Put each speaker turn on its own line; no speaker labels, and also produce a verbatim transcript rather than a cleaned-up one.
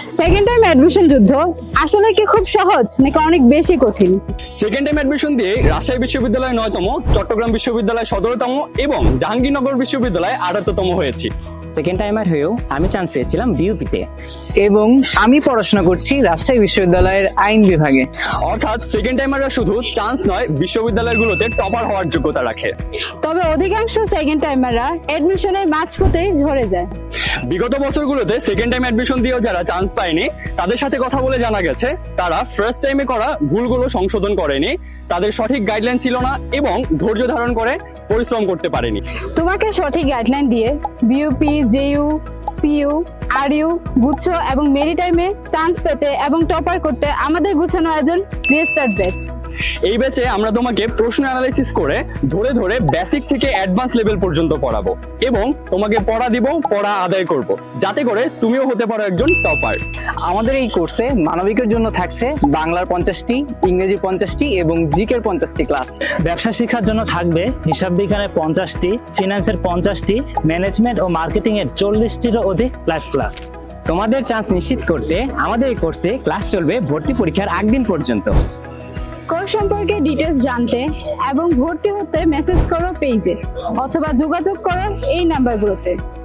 Second time admission যুদ্ধ আসলে কি খুব সহজ নাকি অনেক বেশি কঠিন?
সেকেন্ড টাইম অ্যাডমিশন দিয়ে রাজশাহী বিশ্ববিদ্যালয় নয়তম, চট্টগ্রাম বিশ্ববিদ্যালয় সতেরোতম এবং জাহাঙ্গীরনগর বিশ্ববিদ্যালয় আটাত্তরতম হয়েছি।
সেকেন্ড টাইমার হয়েও আমি চান্স পেয়েছিলাম বিইউপিতে।
এবং আমি পড়াশোনা করছি রাজশাহী বিশ্ববিদ্যালয়ের আইন বিভাগে।
অর্থাৎ সেকেন্ড টাইমাররা শুধু চান্স নয়, বিশ্ববিদ্যালয়গুলোতে টপার হওয়ার যোগ্যতা রাখে।
তবে অধিকাংশ সেকেন্ড টাইমাররা অ্যাডমিশনের মাঝপথেই ঝরে যায়।
বিগত বছরগুলোতে সেকেন্ড টাইম অ্যাডমিশন দিয়েও যারা চান্স পায়নি, তাদের সাথে কথা বলে জানা গেছে তারা ফার্স্ট টাইমে করা ভুলগুলো সংশোধন করেনি, তাদের সঠিক গাইডলাইন ছিল না এবং ধৈর্য ধারণ করে পরিশ্রম করতে পারেনি।
তোমাকে সঠিক গাইডলাইন দিয়ে বিইউপি, জেইউ, সিইউ, আরইউ, গুচ্ছ এবং মেরি টাইমে চান্স পেতে এবং টপার করতে আমাদের গুছানো আয়োজন রিস্টার্ট ব্যাচ।
এই ব্যাচে আমরা তোমাকে প্রশ্ন অ্যানালাইসিস করে ধরে ধরে বেসিক থেকে অ্যাডভান্স লেভেল পর্যন্ত পড়াবো এবং তোমাকে পড়া দিব, পড়া আদায় করব, যাতে করে তুমিও হতে পারো একজন টপার।
আমাদের এই কোর্সে মানবিকের জন্য থাকছে বাংলার পঞ্চাশটি, ইংরেজি পঞ্চাশটি এবং জিকের পঞ্চাশটি ক্লাস।
ব্যবসা শিক্ষার জন্য থাকবে হিসাব বিজ্ঞানের পঞ্চাশটি, ফিনান্সের পঞ্চাশটি, ম্যানেজমেন্ট ও মার্কেটিং এর চল্লিশটিরও অধিক লাইভ ক্লাস। তোমাদের চান্স নিশ্চিত করতে আমাদের এই কোর্সে ক্লাস চলবে ভর্তি পরীক্ষার আগদিন পর্যন্ত।
কোর্স সম্পর্কে ডিটেলস জানতে এবং ভর্তি হতে মেসেজ করো পেজে অথবা যোগাযোগ করো এই নাম্বারগুলোতে।